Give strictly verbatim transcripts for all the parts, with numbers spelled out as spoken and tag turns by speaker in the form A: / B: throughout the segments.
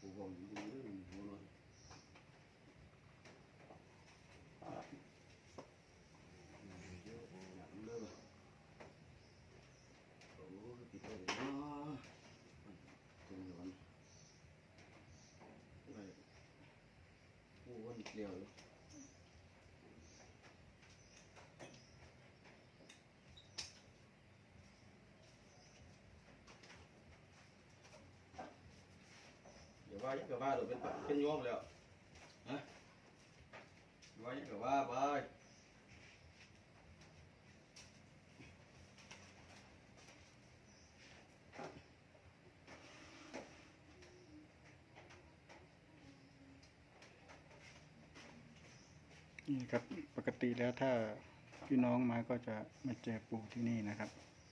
A: ปูบอกอยู่ตรงนี้มันหัวหน่อยเยอะหนักเด้อโอ้ติดไปเลยเนาะตรงนี้มันไปปูวันเดียวเลยว่ายังกับว่าเราเป็นเป็นโยมแล้วฮะว่ายังกับว่าไป
B: นี่ครับปกติแล้วถ้าพี่น้องมาก็จะมาเจอปู่ที่นี่นะครับ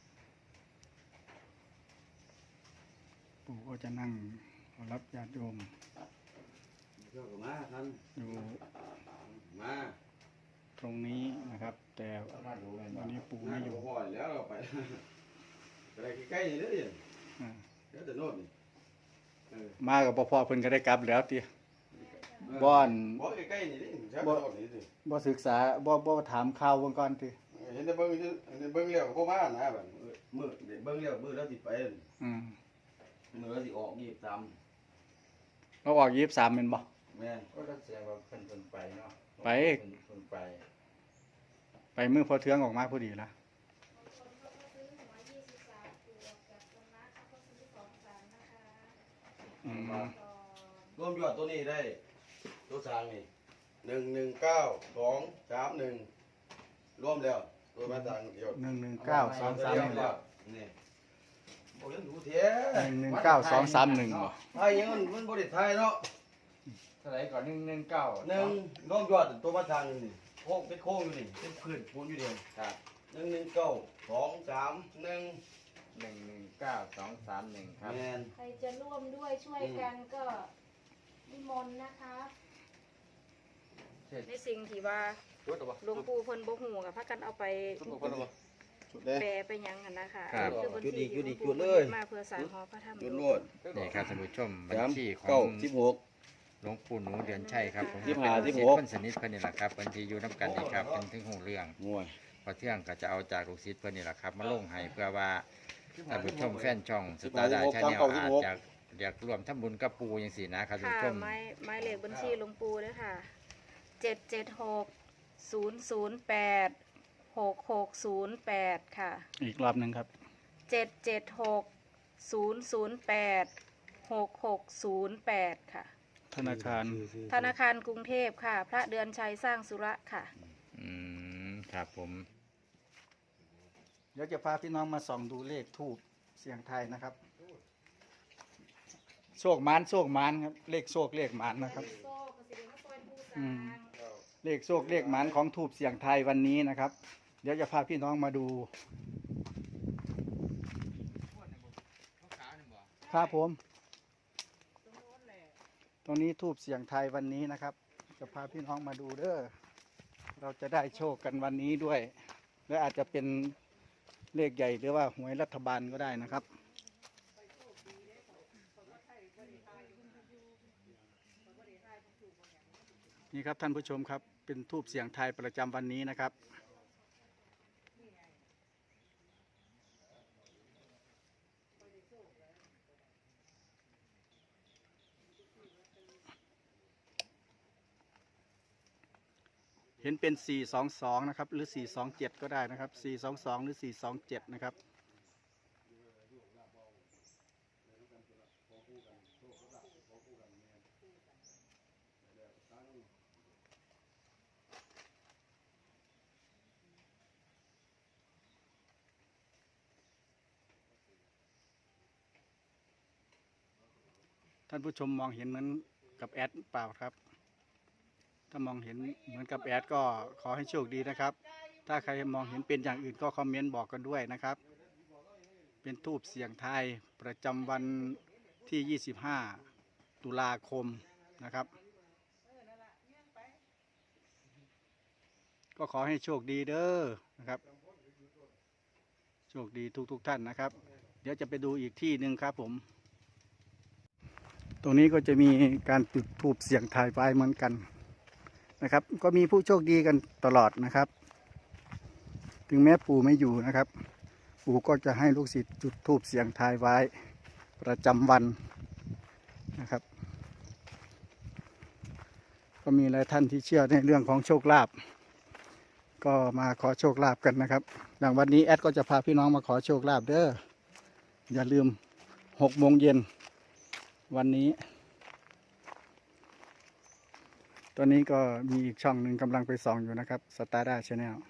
B: ปู่ก็จะนั่งรับญาติโยม
A: เจ้าก็มาท่าน
B: อยู่
A: มา
B: ตรงนี้นะครับ แต่วันนี้ปู่ไม่อยู่
A: ห่อยแล้วเราไปอะไรใกล้ๆนี่เด้อ
B: อ่า
A: เดี๋ยวจะโน่นนี่
B: มากับพ่อเพิ่นก็ได้กลับแล้วติบ่อน
A: บ่ใกล้ๆนี่ดิบ่นี่ดิ
B: บ่ศึกษาบ่บ่ถามข่าวเบิ่งก่อนติ
A: เห็นแต่เบิ่งเห็นเบิ่งแล้วก็บ่มานะบัดมื้อเบิ่งแล้วมื้อแล้วสิไป
B: อืม
A: มื้อแล้วสิออกยี่สิบสาม
B: เราออกยี่สิบสามแม่นบ่
A: แม่นก็แสดงว่าเพิ่นเพิ่นไปเนาะ
B: ไป
A: เพิ่นเพิ่นไป
B: ไปมื้อพอเทืองออกมาพอดีละอืม
A: รวมยอดตัวนี้ได้ตัวสร้างนี่หนึ่งหนึ่งเก้าสองสามหนึ่งรวมแล้วตัวมาสร้างเดียว
B: หนึ่งหนึ่งเก้าสองสามหนึ่ง
A: นี่โอ้ยดูเถอะ
B: หนึ่งหนึ่งเก้าสองสามหนึ่งบ่
A: ไทยยังมันมันบริไทยเนาะ
C: เท่าไหร่ก่อนหนึ่งหนึ่งเก้า
A: หนึ่งรวมยอดตัวมาสร้างนี่โค้งเป็นโค้งอยู่นี่เป็นพื้นปูนอยู่เดียว
C: ครับ
A: หนึ่งหนึ่งเก้าสองสามหนึ่ง
C: หนึ่งหนึ่งเก้าสองสามหนึ่งครับ
A: แมน
D: ใครจะร่วมด้วยช่วยกันก็นิมนต์นะคะในสิ่งที่ว่าหลวงปู่เพิ่นบ่ฮู้กับพากันเอาไป
A: จุดเลย
D: แปลไปหยังหั่นนะคะ
C: ครับ
D: คือบัญ
A: จุด
D: ชี
A: อีกจุดอีก
D: ที่หลวง
A: จุดเลย
D: มาเพื่อสร้างหอพระธรรม
A: จุด
D: หล
A: ร
D: ว
A: ว
D: ง
A: ด
C: นี่ครับท่านผู้ชมบัญ
A: สาม
C: ชีขอ
A: เก้าง สิบหก
C: หลวงปู่หนูเดือนชัยครับผม
A: สิบห้า
C: เป็น
A: สิบ
C: ลู
A: ห
C: ก
A: ก
C: ศิษย์คนสนิทเพิ่นนี่แหละครับบัญชีอยู่น้ำกันนี่ครับเป็นถึงหูเรื่อง
A: งวย
C: พอเที่ยงก็จะเอาจากลูกศิษย์เพิ่นนี่แหละครับมาลงให้เพื่อว่าท่านผู้ชมแฟนช่องสตาร์ดาชาแนลอาจจะอยากร่วมทำบุญกับปู่จังซี่นะครับท่าน
D: ค่ะ
C: ผู้ชม
D: ไม้ไม้เลขบัญชีหลวงปู่ด้วยค่ะเจ็ดเจ็ดหกศูนย์ศูนย์แปดหกหกศูนย์แปดค่ะ
B: อีกรอบหนึ่งครับ
D: เจ็ดเจ็ดหกศูนย์ศูนย์แปดหกหกศูนย์แปดค่ะ
B: ธนาคาร
D: ธนาคารกรุงเทพค่ะ พระเดือนชัยสร้างสุระค่ะ
C: อืมครับผม
B: เดี๋ยวจะพาพี่น้องมาส่องดูเลขทูบเสียงไทยนะครับโชคหมานโชคหมานครับเลขโชคเลขหมานนะครับ อืม เลขโชคเลขหมานของทูบเสียงไทยวันนี้นะครับ เดี๋ยวจะพาพี่น้องมาดูครับผมตรงนี้ทูบเสียงไทยวันนี้นะครับ จะพาพี่น้องมาดูเด้อเราจะได้โชคกันวันนี้ด้วย และอาจจะเป็นเลขใหญ่หรือว่าหวยรัฐบาลก็ได้นะครับนี่ครับท่านผู้ชมครับเป็นทูบเสียงไทยประจำวันนี้นะครับเห็นเป็นสี่สองสองนะครับหรือสี่สองเจ็ดก็ได้นะครับสี่สองสองหรือสี่สองเจ็ดนะครับท่านผู้ชมมองเห็นเหมือนกับแอดเปล่าครับถ้ามองเห็นเหมือนกับแอดก็ขอให้โชคดีนะครับถ้าใครมองเห็นเป็นอย่างอื่นก็คอมเมนต์บอกกันด้วยนะครับเป็นทูบเสียงไทยประจำวันที่ยี่สิบห้าตุลาคมนะครับก็ขอให้โชคดีเด้อนะครับโชคดีทุกๆ ท่านนะครับเดี๋ยวจะไปดูอีกที่หนึ่งครับผมตรงนี้ก็จะมีการจุดธูปเสียงทายไว้เหมือนกันนะครับ ก็มีผู้โชคดีกันตลอดนะครับ ถึงแม้ปู่ไม่อยู่นะครับ ปู่ก็จะให้ลูกศิษย์จุดธูปเสียงทายไว้ประจำวันนะครับ ก็มีหลายท่านที่เชื่อในเรื่องของโชคลาภก็มาขอโชคลาภกันนะครับอย่างวันนี้แอดก็จะพาพี่น้องมาขอโชคลาภเด้ออย่าลืมหกโมงเย็นวันนี้ ตอนนี้ก็มีอีกช่องหนึ่งกำลังไปส่องอยู่นะครับสตาร์ด้าชาแนล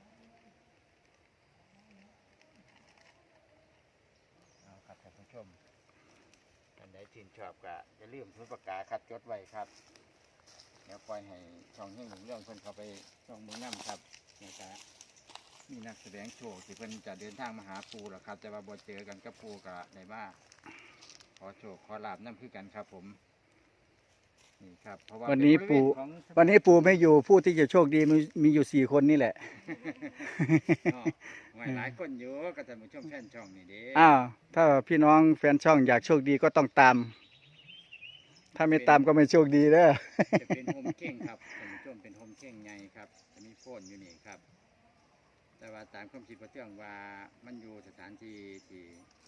C: เอาครับท่านผู้ชมท่านใดที่ชอบก็อย่าลืมทุนประกาศครับจดไว้ครับเดี๋ยวปล่อยให้ช่องเฮงหลงเรื่องเพิ่นเข้าไปช่องมือน้ำครับนะครับมีนักแสดงโชว์ที่เพิ่นจะเดินทางมาหาปูหรอครับแต่ว่าบ่เจอกันกับปูกับในบ้าขอโชคขอลาบน้ำคือกันครับผมนี่ครับเพราะว่า
B: วันนี้
C: เป็
B: ปู่
C: บริเวณของ
B: วันนี้ปู่ไม่อยู่ผู้ที่จะโชคดีมีมีอยู่สี่คนนี่แหละ
C: อ๋อไว้หลายคนอยู่ก็ท่านผู้ชมแฟนช่องนี่เด้
B: อ้าวถ้าพี่น้องแฟนช่องอยากโชคดีก็ต้องตาม ถ้าไม่ตามก็ไม่โชคดีเด้อ
C: จะเป็นโฮมเข่งครับท่านผู้ชมเป็นโฮมเข่งใหญ่ครับจะมีโฟนอยู่นี่ครับ แต่ว่าตามความคิดพระเทืองว่ามันอยู่สถานที่ที่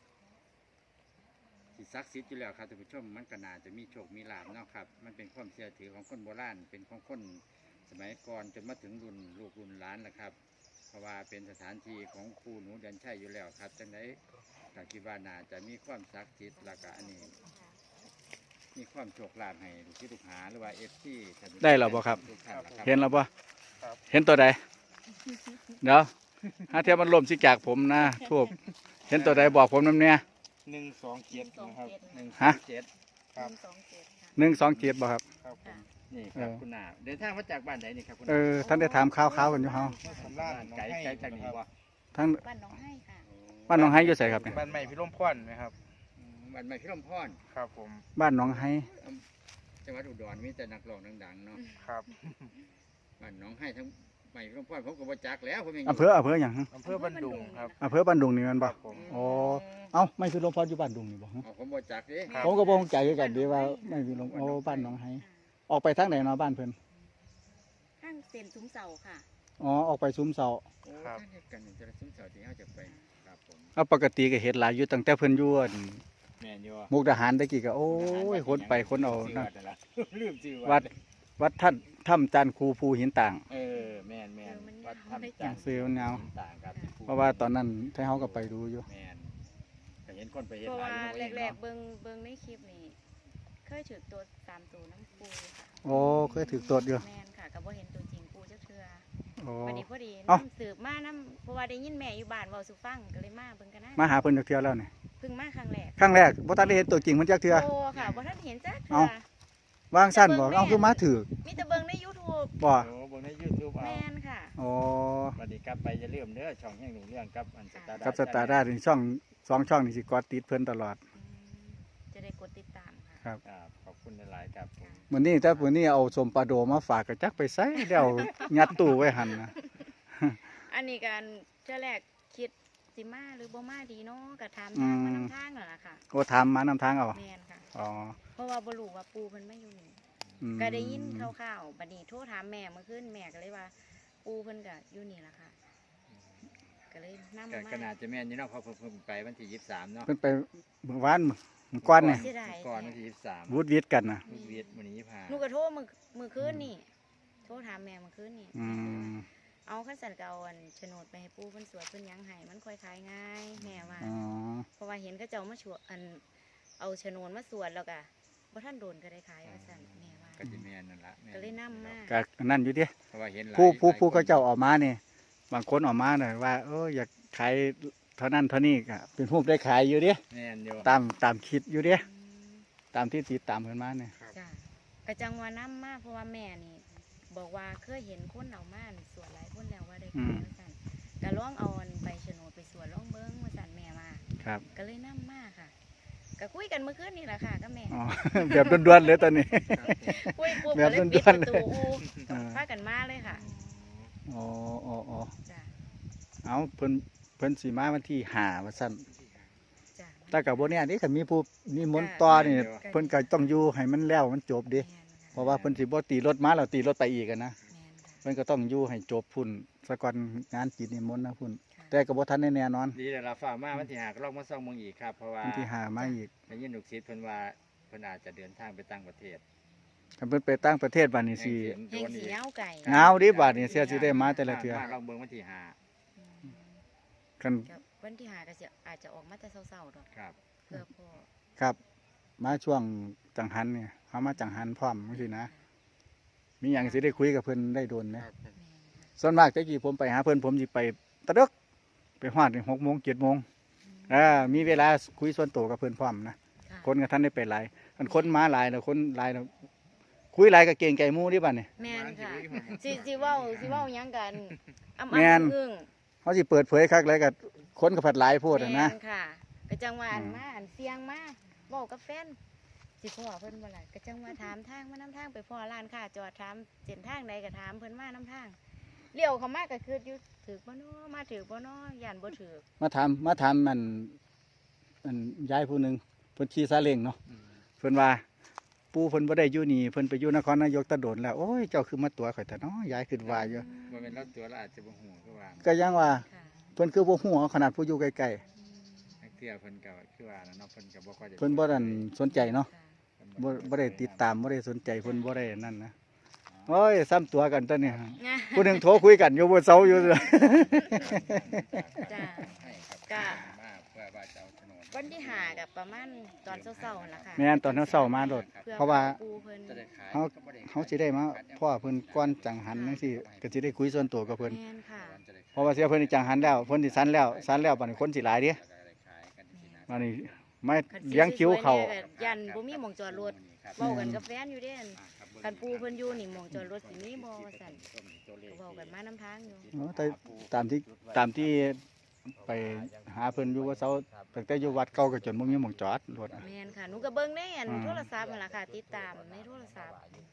C: ที่ศักดิ์สิทธิ์อยู่แล้วครับท่านผู้ชมมันก็น่าจะมีโชคมีลาภเนาะครับมันเป็นความเชื่อถือของคนโบราณเป็นของคนสมัยก่อนจนมาถึงรุ่นลูกรุ่นหลานแหละครับ เพราะว่าเป็นสถานที่ของครูหนูเดินชัยอยู่แล้วครับจังไดก็คิดว่าน่าจะมีความศักดิ์สิทธิ์แล้วก็อันนี้มีความโชคลาภให้ลูกศิษย์ลูกหาหรือว่าเอฟซี
B: ได้แล้วบ่ครับ
C: ทุกท่านล่ะครับ
B: เห็นแล้วปะเห็นตัวใดเดี๋ยวถ้าเทียบมันลมสิจากผมนะทูบเห็นตัวใดบอกผมน้ำเนี่ย
E: หนึ่งสองเจ็ดนะครับ
C: หนึ่ง
B: ฮะ
C: เจ็ด
E: ครับ
D: สองเจ็ดค่ะ
B: หนึ่งสองเจ็ดบ่ครับ
E: ครับผม
C: นี่ครับ
B: เออ
C: คุณนาเดินทางมาจากบ้านไหนนี่ครับคุณ
B: เอ
C: นา
B: อท่านได้ถามข่าวๆกันอยู่เฮา
E: เมื่อสำราญน้อง
C: ไกล
E: ให้
C: ไกลจากนี้
E: นะครับ
C: บ่
B: ทั้ง
D: บ้านหน้องให้ค่ะ
B: บ้านหนองไฮอยู่ไสครับเนี่ย
E: บ้านใหม่พิรมพรนะครับ
C: อืมบ้านใหม่พิรมพร
E: ครับผม
B: บ้านหนองไฮ
C: จังหวัดอุดรมีแต่นักร้องดังๆเนาะ
E: ครับ
C: บ้านหน้องให้ทั้งใหม่พิรมพรผมก็บ่จักแล้วผมยัง
B: อำเภออำเภอหยังฮะ
E: อำเภอบันดุงครับ
B: อำเภอบ้านดุงนี่แมัน
E: ค
B: บ่
E: รับผม
B: อ๋อเอ้าไม่คือหลวงพ่ออยู่บ้านดุงนี่บ่ฮะ
C: อ๋อผมบ่จักเด้
E: ครับ
B: ผมก็บ่เข้าใจคือกันเดีว่าไม่คือหลวงโอ้บ้านหนองไฮออกไปทางไหนเนาะบ้านเพิ่น
D: ข้างเซ็นซุ้มเสาค่ะ
B: อ๋อออกไปซุ้มเสา
C: โอ้ท่านเฮ็ดกันจะซุ้มเสาที่เฮาจะไปครับผม
B: เอาปกติก็เฮ็ดหลายอยู่ตั้งแต่เพิ่นอยู่อั่น
C: แม่นอยู่
B: มุกดาหารตะกี้ก็โอ้ยคนไปคนเอานะ
C: ลืมชื่อ
B: วัด วัดท่านถ้ำจันทร์คูภูหินต่าง
C: เออแม่นแม่นวัดถ้ำจานทร์
B: ซื้อมันยาว
C: ต่างครับที่ภู
B: เพราะว่าตอนนั้นไทเฮาก็ไปดูอยู่
C: แม่นก็เห็นคนไปเฮ็ด
D: เพราะ
C: หลาย
D: ว่า
C: อยู่เนาะ
D: แรกๆเบิ่งเบิ่งในคลิปนี่เคยถือตัวตามตัวน้ำปูค่ะ
B: โอ้เคยถือตรวจอยู่
D: แม่นค่ะก็บ่เห็นตัวจริงปูจักเทื่อ
B: โอ้
D: วันนี้พอดี
B: เอ้า
D: น้ำสืบมาน้ำเพราะว่าได้ยินแม่อยู่บ้านเว้าสู่ฟังก็เลยมาเบิ่งกันนะ
B: มาหาเพิ่นจักเทื่อแล้วนี่
D: เพิ่งมาครั้งแรก
B: ครั้งแรกบ่ทันได้เห็นตัวจริงเพิ่นจักเทื่อ
D: โอ้ค่ะบ่ทันเห็นจักเทื่
B: เอ้า
D: อ
B: วางสั้นบ่เอ้าคือมาถือ
D: มีแต่เบิ่งใน YouTube
B: บ่
C: โอ้เบิ่งใน YouTube เอา
D: แม่นค่ะ
B: โอ้
C: สวัสดีครับไปอย่าลืมเด้อช่องแห่งหนึ่งเรื่องกับอันสตาร์
B: กับสตาร์ด้านี่ช่องสองช่องนี่สิกอดติดเพิ่นตลอด
D: อืมจะได้กดติดตามค่ะ
B: ครับ
C: ครับขอบคุณหลายๆครับผม
B: มื้อนี้ถ้ามื้อนี้เอาสมปลาโดมาฝากก็จักไปใส่แล้วยัดตู้ไว้หั่นนะ
D: อันนี้การเจ้าแรกคิดสิมาหรือบ่มาดีเนาะก็ถามทางมานำทางนั่นล่ะค่ะ
B: โอ้ถามมานำทางเอา
D: แม่นค่ะ
B: อ๋อ
D: เพราะว่าบ่รู้ว่าปูเพิ่นไม่อยู่นี่
B: อืม
D: ก็ได้ยินคร่าวๆบัดนี้โทรถามแม่เมื่อคืนแม่ก็เลยว่า ปูเพิ่นก็อยู่นี่ล่ะค่ะ ก็เลยนำ
C: ก็
D: มา
C: ขนาดจะแม่นอยู่เนาะเพอเพิ่งไปวันที่ยี่สิบสามเนาะ
B: เพิ่นไปเมื่อวานมื้อก่อนนี่
D: เสียดาย
C: ก่อนวันที่ยี่สิบสาม
B: วูดวิดกันน่ะ
C: ลูกเวียดวันนี้ยี่สิบห้า
D: หนูก็โทรมื้อมื้อคืนนี่โทรถามแม่เมื่อคืนนี่
B: อืม
D: เอาคันสั่นก็เอาอันโฉนดไปให้ปูเพิ่นสวดเพิ่นหยังให้มันค่อยขายง่ายแม่ว่า
B: อ๋อ
D: เพราะว่าเห็นเขาเจ้ามาชวดอันเอาโฉนดมาสวดแล้วก็บ่ทันโดนก็ได้ขายว่าซั่นแม่ว่า
C: ก็จะแม่นนั่นละแม่
D: ก็เลยนำมา
B: ก็นั่นอยู่ดิ
C: เพราะว่าเห็นหลาย
B: ผู้ผู้ผู้
C: หล
B: เขา
C: ยคน
B: เจ้าออกมานี่บางคนออกมาน่ะว่าเอออยากขายเท่านั้นเท่านี้ก็เป็นผู้ได้ขายอยู่ดิ
C: แม่นอยู่
B: ตามตามคิดอยู่ดิ
D: อืม
B: ตามที่ติดตามเพิ่นมาเนี่ย
D: จ้ะกระจังว่าน้ำมากเพราะว่าแม่นี่ บอกว่าเคยเห็นคนเอามานี่สวดหลายคนแล้วว่าได้ขายว่าสั่นก็ลองเอาอันใบโฉนดไปสวดลองเบิ้งว่าสั่นแม่มา
B: ครับ
D: ก็เลยน้ำมากค่ะก็คุยกันเมื่อคืนนี่แหละค่ะก็แม่
B: อ๋อ แบบด่วนๆเลยตอนนี้
D: คุยปุ๊บ
B: แบ
D: ก็
B: บ
D: เลย
B: ด่
D: ปิด
B: ว
D: ป
B: นๆ
D: ระตูอู
B: อ่า
D: พากันมาเลยค่ะ
B: อ๋ออ๋ออ๋อ
D: จ้ะ
B: เอาเพิ่นเพิ่นสีมาวันที่ห้าว่าซั่น
D: จ้ะ
B: แตแต่กับบ่เนี่ยนี่คันมีผู้นิมนต์ต่อนี่เพิ่นก็ต้องอยู่ให้มันแล้วมันจบเดิ
D: แม่นค่ะ
B: เพราะว่าเพิ่นสิบ่ตีรถมาแล้วตีรถไปอีกอะนะ
D: แม่นค่ะ
B: เพิ่นก็ต้องอยู่ให้จบพุ่นซะก่อนงานกิจนิมนต์นะพุ่น
D: ค่ะ
B: แต่ก็บ่ทันได้แน่นอน
C: ดีแล้วเราฝ่ามาวันที่ห้าก็ลองมาส่องเมืองอีกครับเพราะว่า
B: วันที่ห้ามาอีก
C: ได้ยินลูกศิษย์เพิ่นว่าเพิ่นอาจจะเดินทางไปต่างประเทศ
B: คันเพิ่นไปต่างประเทศบัดนี้สิ
C: แห่ง
D: แห่งสีเหงาไก่
B: เหงาดิบัดนี้เสียสิได้มาแต่ละเทื่อ
C: มาลองเบิ่งวันที่ห้า
D: อืม
B: คัน
D: ก็วันที่หาก็สิอาจจะออกมาแต่เช้าๆดอก
C: ครับ
D: เพื่อพ่อ
B: ครับ มาช่วงจังหันเนี่ยเฮามาจังหันพร้อมจังซี่นะ มีหยังสิได้คุยกับเพิ่นได้โดนนะ
D: แม่นค่ะ
B: ส่วนมากแต่กี้ผมไปหาเพิ่นผมสิไปตะดึกไปฮอดนี่หกโมงเจ็ดโมงอ่ามีเวลาคุยส่วนตัวกับเพิ่นพร้อมนะ
D: ค่ะ
B: คนกับท่านได้ไปหลายคันคนมาหลายแล้วคนหลายแล้วคุยหลายก็เก่งใจหมู่ดิบัดนี้
D: แม่นค่ะสิสิเว้าสิเว้าหยังกันอ้ำ
B: แม่น
D: ๆอึ้ง
B: เฮาสิเปิดเผยคักเลยก็คนก็ผัดหลายโพดอะนะ
D: แม่นค่ะก็จังว่าอัน
B: อืม
D: มาอันเสียงมาเว้ากับแฟนสิพ่อเพิ่นบ่ล่ะก็จังว่าถามทางมานํทางไปพ่อร้านค้าจอดถามเส้นทางใดก็ถามเพิ่นมานํทางเลี้ยวเข้ามาก็คืออยู่ถูกบ่น้อมาถูกบ่น้อย่านบ่ถูก
B: มาถามมาถามมันมันยายผู้หนึงเพิ่นขี่ซาเล้งเนาะเพิ่นว่าปู่เพิ่นบ่ได้อยู่นี่เพิ่นไปอยู่นครนายกตะโดนแล้วโอ้ยเจ้าคือมาตัวข่อยแต่เนาะยายคิดว่าอยู่
C: บ่เป็นเราตัวเราอาจจะบ่ฮู้คือว่า
B: ก็ยังว่า
D: ค่ะ
B: เพิ่นคือบ่ฮู้เอาขนาดผู้อยู่ใกล้
C: นักเที่ยวเพิ่นก็คือว่าเนาะเพิ่นก็บ่ค่อยได้
B: ๆเพิ่นบ่ดันสนใจเนาะ
D: ค่ะ
B: บ่บ่ได้ติดตามบ่ได้สนใจเพิ่นบ่ได้นั่นนะโอ้ยซ้ำตัวกันตอนนี้ผู้หนึงโทรคุยกันอยู่บนเสาอยู่
D: จ้า
C: ให้ครับ
D: ก็
C: มาเพื่อว่าจะเอาโฉนด
D: วันที่หากับประมาณตอนเช้าๆนั่นล่ะค่ะ
B: แม่นตอนเช้าๆมาโดด
D: พื่อ
B: เพราะว่า
D: ปูเพิ่น
C: จะได้ขาย
B: เฮาเฮาสิได้มาพ่อเพิ่นก่อนจังหันจังซี่ก็สิได้คุยส่วนตัวกับเพิ่น
D: แม่นค่ะ
B: เพราะว่าเสียเพิ่นนี่จังหันแล้วเพิ่นสิสันแล้วสันแล้วบัดนี้คนสิหลายเด้
C: จะได้ขายกันที่นะ
B: บัดนี้ไม่
D: คัน
B: เลี้ยงคิวเขา
D: สวยๆนี่ก็ยันบ่มีหม่องจอดรถเว้ากันกับแฟนอยู่เด้นคันปูเพิ่นอยู่นี่หม่องจอดรถสิมีบ่ว่าซั่นก็เว้ากันมานํทางอยู่
B: เนาะแต่ตามที่ตามที่ไปหาเพิ่นอยู่ว่าเสาตั้งแต่อยู่วัดเก่าก็จนบ่มีหม่องจอดรถ
D: แม่นค่ะหนูก็เบิ่งในอัน
B: อืม
D: โทรศัพท์นั่นล่ะค่ะ ติดตามในโทรศัพท์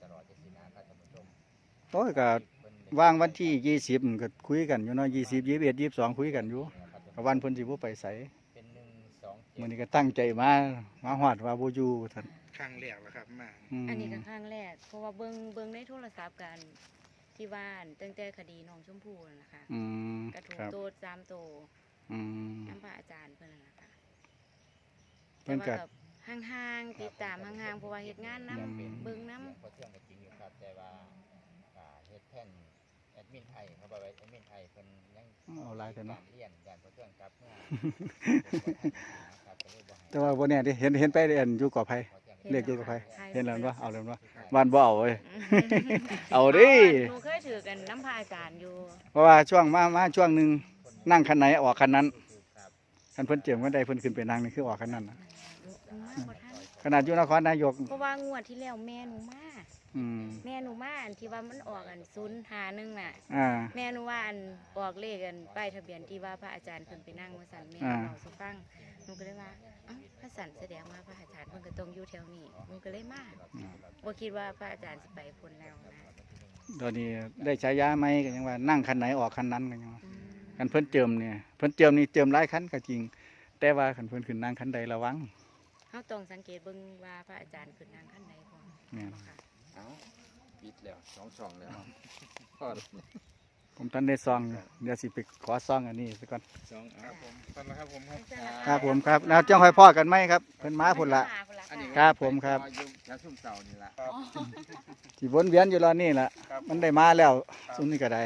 B: โอ้ยก็ว่างวันที่ยี่สิบก็คุยกันอยู่เนาะยี่สิบ ยี่สิบเอ็ด ยี่สิบสองคุยกันอยู่ก็วันเพิ่นสิบ่ไปไส
C: เป็นหนึ่งสอง
B: มื้อนี้ก็ตั้งใจมามาฮอดว่าบ่อยู่ท่าน
E: ครั้งแรกแล้วครับมา
B: ม
D: อันนี้ก็ครั้งแรกเพราะว่าเบิ่งเบิ่งในโทรศัพท์กันที่บ้านตั้งแต่คดีน้องชมพู่นั่นล่ะค่ะ
B: อืม
D: กระถูก
B: ครับ
D: โตดสามโต
B: อืม
D: น้ำพระอาจารย์เพิ่นนั่นล่ะค่ะ
B: เพิ่นก็
D: แต่ว่าห่างๆติดตามห่างๆเพราะว่าเฮ็ดงานนํ
B: อืม
D: เบิ่งนํ
C: พอเที่ยงก็จริงอยู่ครับแต่ว่าอ่าเฮ็ดแท่นแอดมินไทยเขาบอกว่าแอดมินไทยเพิ่นยัง
B: เอาหลายแต่เนาะ
C: การเรียนการพอเที่ยงครับเมื่อครับก็เลยบ่ให้
B: แต่ว่าบ่แน่เด้เห็นเห็นไปเรียนอยู่กอไผ
C: พอเที่ยง
B: เรียกอยู่กับไผ
D: ใช่
B: เห็นแล้วบ่เอาแล้วบ่บ้านบ่เอาเว้ย เอาดิ
D: หนูเคยถือกันน้ำพระอาจารย์อยู่
B: เพราะว่าช่วงมามาช่วงหนึงนั่งคันไหนออกคันนั้น
C: ครับ
B: คันเพิ่นเจิมกันใดเพิ่นขึ้นไปนั่งนี่คือออกคันนั้นน่ะ
D: หนูมาบ่ทัน
B: ขนาดอยู่นครนายก
D: เพราะว่างวดที่แล้วแม่หนูมา
B: อืม
D: แม่หนูมาอันที่ว่ามันออกอันศูนย์หาหนึ่งน่ะ
B: อ่า
D: แม่หนูว่าอันบอกเลขกันป้ายทะเบียนที่ว่าพระอาจารย์เพิ่นไปนั่งว่าสั่นแม่
B: อ่า
D: เราสุฟังหนูก็เลยว่าเอ้าพระสันแสดงว่าพระอาจารย์เพิ่นก็ต้องอยู่แถวนี้หนูก็เลยมาบ่คิดว่าพระอาจารย์สิไปพ้นแล้วนะ
B: ตอนนี้ได้ฉายาไหมก็ยังว่านั่งคันไหนออกคันนั้นก็ยังว่า
D: อืม
B: คันเพิ่นเจิมเนี่ยเพิ่นเจิมนี่เจิมหลายคันก็จริง แต่ว่าคันเพิ่นขึ้นนั่งคันใดระวัง
D: เฮาต้องสังเกตเบิ่งว่าพระอาจารย์ขึ้นนั่งขั้นใดพร้อม
B: แม่น
D: ค่ะ
C: เอ้าปิดแล้วสองช่องแล้วพอแล้ว
B: ผมท่านได้ซองอยู่เดี๋ยวสิไปขอซองอันนี้ซะก่อน
C: สองเอา
E: ครับผมตอนนะครับผมครับ
B: ครับผมครับแล้วจังค่อยพ้อกันไหมครับเพิ่นมาพุ่นละ
C: อันนี้
B: ครับผมครับ
C: รออยู่แถวซุ่มเสานี่ล่ะ
B: สิวนเวียนอยู่รอนี่ล่ะมันได้มาแล้วซุมนี้ก็ได้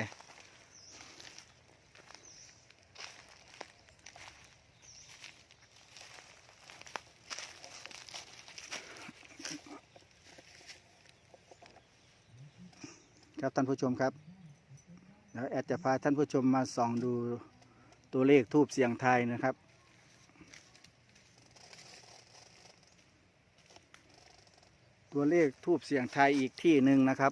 B: ครับท่านผู้ชมครับแล้วแอดจะพาท่านผู้ชมมาส่องดูตัวเลขทูบเสียงไทายนะครับ ตัวเลขทูบเสียงไทายอีกที่หนึ่งนะครับ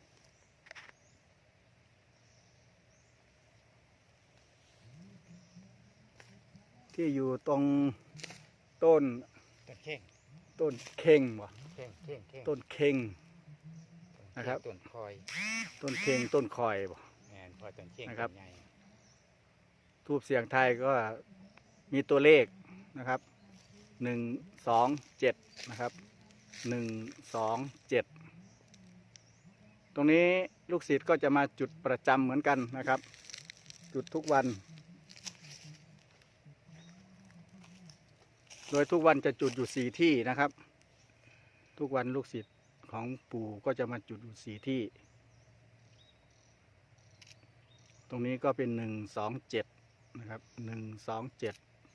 B: ที่อยู่ตรงต้น
C: ต้นเข่ง
B: ต้นเข่งบ่
C: เข่งเข่งเข่ง
B: ต้นเข่ง นะครับ
C: ต้นคอย
B: ต้นเข่งต้นคอยบ่
C: แม่นพอต้นเข่ง
B: นะครับ
C: ต้นใหญ่
B: ทูบเสียงไทายก็มีตัวเลขนะครับหนึ่งสองเจ็ดนะครับหนึ่งสองเจ็ดตรงนี้ลูกศิษย์ก็จะมาจุดประจำเหมือนกันนะครับจุดทุกวันโดยทุกวันจะจุดอยู่สี่ที่นะครับทุกวันลูกศิษย์ของปู่ก็จะมาจุดอยู่สี่ที่ตรงนี้ก็เป็นหนึ่งสองเจ็ดนะครับหนึ่งสองเจ็ด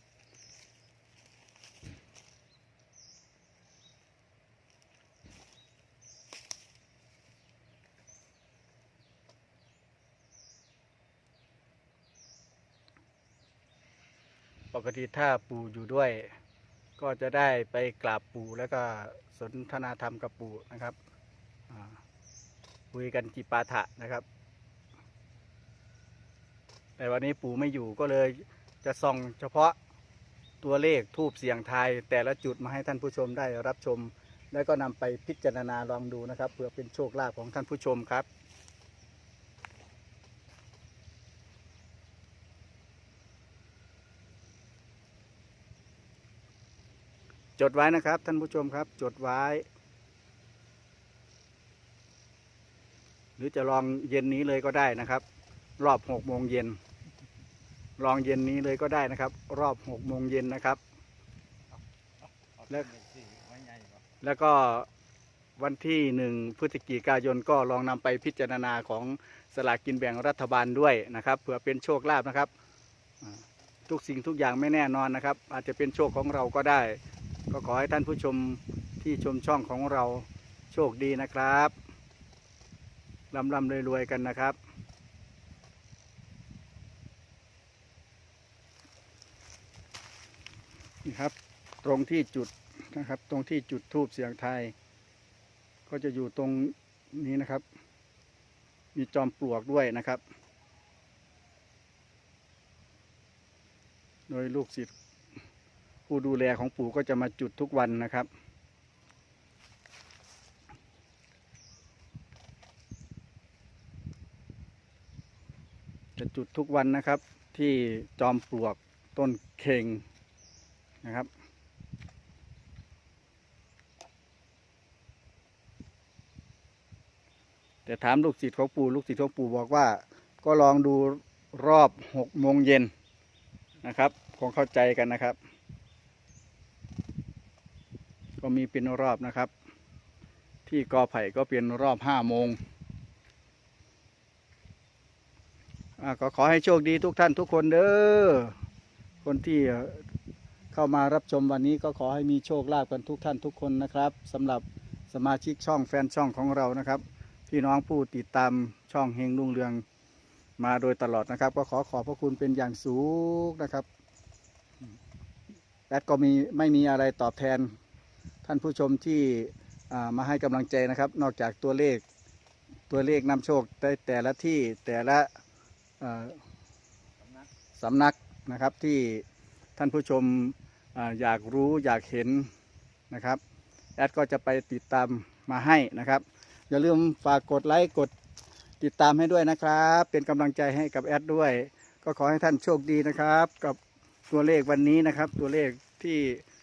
B: ปกติถ้าปู่อยู่ด้วยก็จะได้ไปกราบปู่แล้วก็สนทนาธรรมกับปู่นะครับคุยกันจิปาถะนะครับแต่วันนี้ปู่ไม่อยู่ก็เลยจะส่องเฉพาะตัวเลขทูปเสียงทายแต่ละจุดมาให้ท่านผู้ชมได้รับชมแล้วก็นำไปพิจารณาลองดูนะครับเพื่อเป็นโชคลาภของท่านผู้ชมครับจดไว้นะครับท่านผู้ชมครับจดไว้หรือจะลองเย็นนี้เลยก็ได้นะครับรอบหกโมงเย็นลองเย็นนี้เลยก็ได้นะครับรอบหกโมงเย็นนะครับแล้วแล้วก็วันที่หนึ่งพฤศจิกายนก็ลองนำไปพิจารณาของสลากกินแบ่งรัฐบาลด้วยนะครับเผื่อเป็นโชคลาภนะครับทุกสิ่งทุกอย่างไม่แน่นอนนะครับอาจจะเป็นโชคของเราก็ได้ก็ขอให้ท่านผู้ชมที่ชมช่องของเราโชคดีนะครับร่ำร่ำรวยๆกันนะครับนี่ครับตรงที่จุดนะครับตรงที่จุดธูปเสียงทายก็จะอยู่ตรงนี้นะครับมีจอมปลวกด้วยนะครับโดยลูกศิษย์ผู้ดูแลของปู่ก็จะมาจุดทุกวันนะครับจะจุดทุกวันนะครับที่จอมปลวกต้นเข่งนะครับแต่ถามลูกศิษย์ของปู่ลูกศิษย์ของปู่บอกว่าก็ลองดูรอบหกโมงเย็นนะครับคงเข้าใจกันนะครับก็มีเป็นรอบนะครับที่กอไผ่ก็เป็นรอบห้าโมงก็ขอให้โชคดีทุกท่านทุกคนเด้อคนที่เข้ามารับชมวันนี้ก็ขอให้มีโชคลาภกันทุกท่านทุกคนนะครับสำหรับสมาชิกช่องแฟนช่องของเรานะครับพี่น้องผู้ติดตามช่องเฮงรุ่งเรืองมาโดยตลอดนะครับก็ขอขอบพระคุณเป็นอย่างสูงนะครับและก็มีไม่มีอะไรตอบแทนท่านผู้ชมที่มาให้กำลังใจนะครับนอกจากตัวเลขตัวเลขนำโชคได้แต่ละที่แต่ละสำนักนะครับที่ท่านผู้ชมอยากรู้อยากเห็นนะครับแอดก็จะไปติดตามมาให้นะครับอย่าลืมฝากกดไลค์กดติดตามให้ด้วยนะครับเป็นกำลังใจให้กับแอดด้วยก็ขอให้ท่านโชคดีนะครับกับตัวเลขวันนี้นะครับตัวเลขที่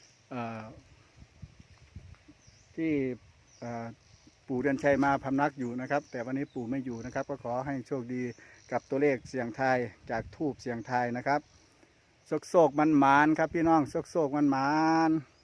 B: ที่ปู่เดือนชัยมาพำนักอยู่นะครับแต่วันนี้ปู่ไม่อยู่นะครับก็ขอให้โชคดีกับตัวเลขเสียงทายจากทูบเสียงทายนะครับโศกโศกมันหมานครับพี่น้องโศกโศกมันหมาน